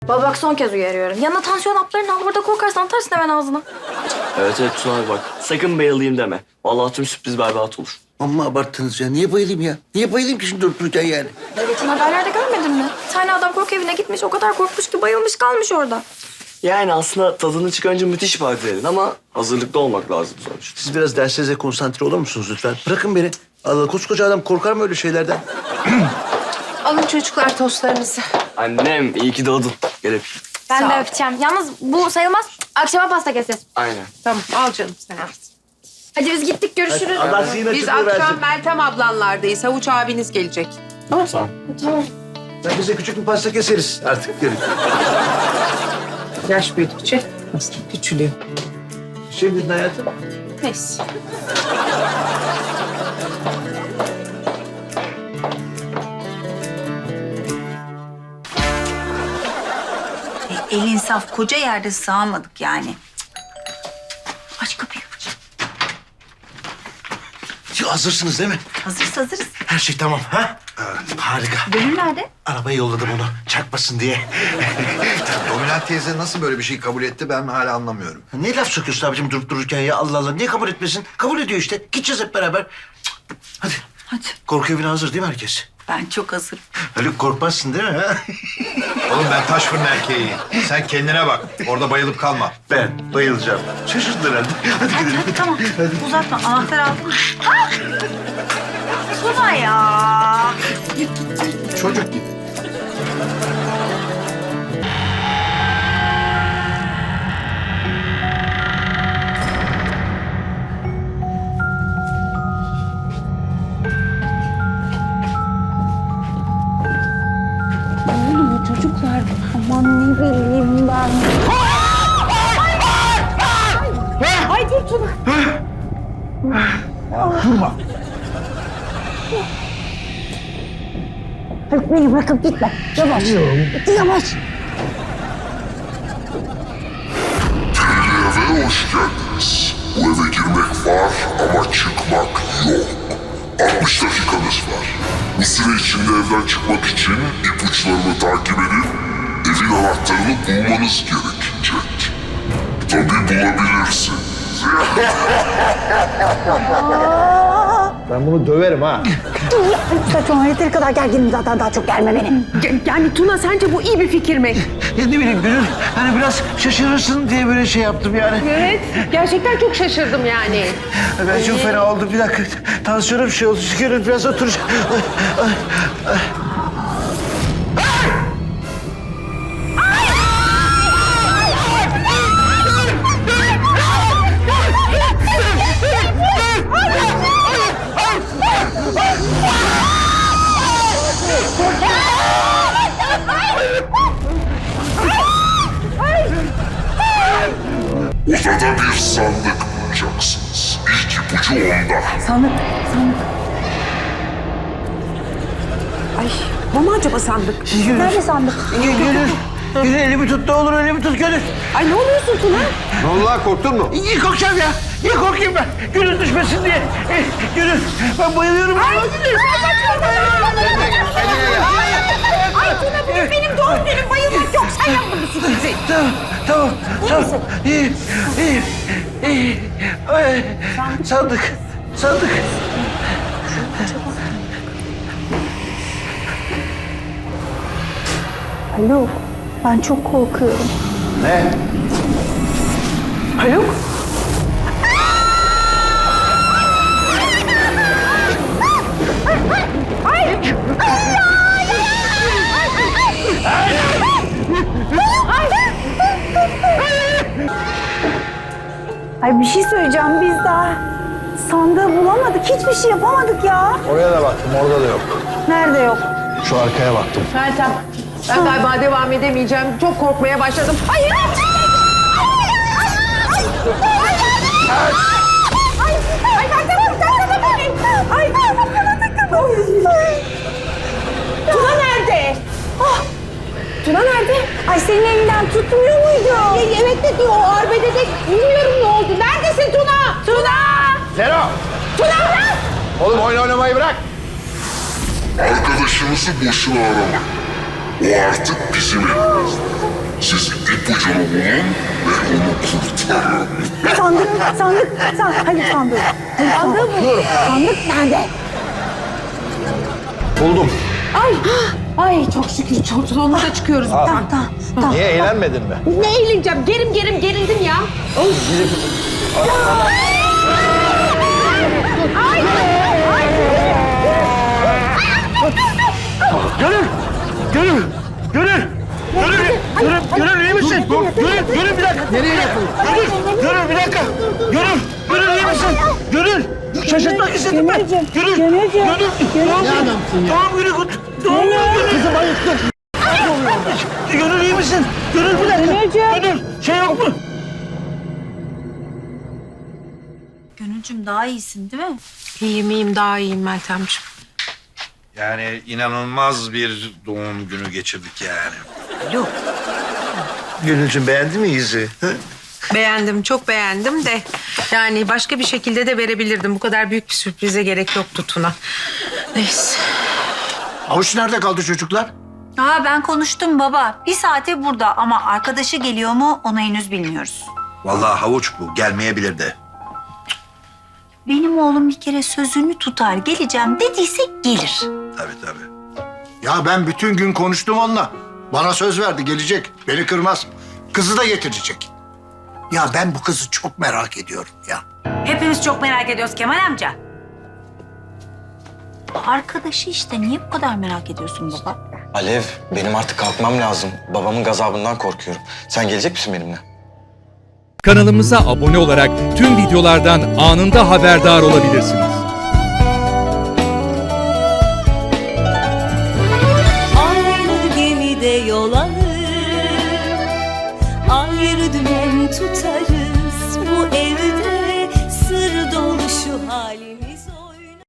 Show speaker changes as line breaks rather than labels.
Baba bak son kez uyarıyorum. Yanına tansiyon haplarını al, burada korkarsan atarsın hemen ağzına.
Evet Tuna abi bak. Sakın bayılayım deme. Vallahi tüm sürpriz berbat olur.
Amma abarttınız ya. Niye bayılayım ya? Niye bayılayım ki şimdi durup dururken yani?
Ya geçen haberlerde görmedin mi? Bir tane adam korku evine gitmiş, o kadar korkmuş ki bayılmış kalmış orada.
Yani aslında tadını çıkarınca müthiş bir adrenalin ama hazırlıklı olmak lazım sonuçta.
Siz biraz dersinize konsantre olur musunuz lütfen? Bırakın beni. Allah, koskoca adam korkar mı öyle şeylerden?
Alın çocuklar tostlarınızı.
Annem iyi ki doğdun. Gel öpeyim.
Ben
Sağ
de
ol.
öpeceğim. Yalnız bu sayılmaz. Akşama pasta keseceğiz.
Aynen.
Tamam al canım sen al.
Hadi biz gittik, görüşürüz.
Allah zihin
Biz
açıklığı
akşam
versin.
Meltem ablanlardayız. Havuç abiniz gelecek.
Tamam.
Tamam.
Ben bize küçük bir pasta keseriz artık. Gelin.
Yaş büyüdükçe aslında küçülüyor.
Şey dedin hayatım.
Neyse.
Elin saf koca yerde sığamadık yani. Aç kapıyı.
Ya hazırsınız değil mi?
Hazırız.
Her şey tamam ha? Harika.
Gönül nerede?
Arabaya yolladım onu çarpmasın diye.
Dominant teyze nasıl böyle bir şey kabul etti ben hala anlamıyorum.
Ne laf sokuyorsun abicim durup dururken ya? Allah Allah. Niye kabul etmesin? Kabul ediyor işte. Gideceğiz hep beraber. Cık, hadi.
Hadi.
Korku evine hazır değil mi herkes?
Ben çok hazırım.
Haluk korkmazsın değil mi? Ha?
Oğlum ben taş fırın erkeğiyim. Sen kendine bak. Orada bayılıp kalma.
Ben bayılacağım. Şaşırdın herhalde. Hadi gidelim.
Hadi tamam. Uzatma. Anahtar aldın mı? Ah! Tuna ya.
Çocuk gibi.
Çocuklar, aman ne bileyim ben. Ay dur Tuna.
Durma.
Haluk beni bırakıp gitme. Yavaş. Yavaş.
Eve hoş geldiniz. Bu eve girmek var ama çıkmak yok. 60 dakikanız var. Bu süre içinde evden çıkmak için ipuçlarımı takip edip evin anahtarını bulmanız gerekecek. Tabii bulabilirsiniz.
Ben bunu döverim ha.
Saçmalama, yeteri kadar gerginim zaten, daha çok gelme beni.
Yani Tuna sence bu iyi bir fikir mi?
Ya ne bileyim Gönül. Hani biraz şaşırırsın diye böyle şey yaptım yani.
Evet. Gerçekten çok şaşırdım yani.
Ben çok fena oldum. Bir dakika. Tansiyonum bir şey oldu. Gönül biraz oturacağım.
Odada bir sandık bulacaksınız. İlk ipucu onda.
Sandık.
Bu mu acaba sandık?
Nerede sandık?
Gönül elimi tut ne olur elimi tut Gönül.
Ay ne oluyorsun Tuna?
Ne oldu lan korktun mu?
Niye korkacağım ya? Niye korkayım ben? Gönül düşmesin diye. Gönül ben bayılıyorum.
Ay Tuna, bugün benim doğum günüm, bayılmak yok. Sen yaptın bu sürprizi.
Tamam. İyi. Ay, sandık.
Haluk, ben çok korkuyorum.
Ne?
Haluk?
Ay bir şey söyleyeceğim, biz daha sandığı bulamadık, hiçbir şey yapamadık ya.
Oraya da baktım orada da yok.
Nerede yok?
Şu arkaya baktım.
Meltem. Ben galiba devam edemeyeceğim. Çok korkmaya başladım. Hayır!
Tuna nerede? Tuna nerede? Ay senin elinden tutmuyor muydu? Evet de diyor, o arbedede bilmiyorum ne oldu. Neredesin Tuna? Tuna!
Zero!
Tuna!
Oğlum oyun oynamayı bırak.
Arkadaşınızı boşuna aramayın. O artık bizim elimizde. Siz ipucunu bulun ve onu kurtarın.
Hayır sandık. Sandık nerede?
Buldum.
Ay çok şükür çok sonunda çıkıyoruz. Tamam.
Niye eğlenmedin mi?
Ne eğleneceğim? Gerildim ya.
Gönül iyi misin? Gönül bir dakika. Nereye yapın? Gönül bir dakika. Gönül iyi misin? Gönül. Şaşırtmak istedim ben. Gönül. Tamam Gönül. Tamam kızım ayıktın. Gönül iyi misin? Gönül bir dakika. Gönül şey yok mu?
Gönülcüm daha iyisin değil mi?
İyiyim daha iyiyim Meltemciğim.
Yani inanılmaz bir doğum günü geçirdik yani.
Gönülcüğüm beğendin mi izi?
Beğendim, çok beğendim de yani başka bir şekilde de verebilirdim. Bu kadar büyük bir sürprize gerek yoktu Tuna. Neyse.
Avuç nerede kaldı çocuklar?
Ben konuştum baba. Bir saate burada ama arkadaşı geliyor mu onu henüz bilmiyoruz.
Vallahi havuç bu. Gelmeyebilir de.
Benim oğlum bir kere sözünü tutar. Geleceğim dediyse gelir.
Tabii.
Ya ben bütün gün konuştum onunla. Bana söz verdi gelecek. Beni kırmaz. Kızı da getirecek. Ya ben bu kızı çok merak ediyorum ya.
Hepimiz çok merak ediyoruz Kemal amca. Arkadaşı işte. Niye bu kadar merak ediyorsun baba?
Alev, benim artık kalkmam lazım. Babamın gazabından korkuyorum. Sen gelecek misin benimle?
Kanalımıza abone olarak tüm videolardan anında haberdar olabilirsiniz.
Aynı gemide yol alır, ayrı dümen tutarız.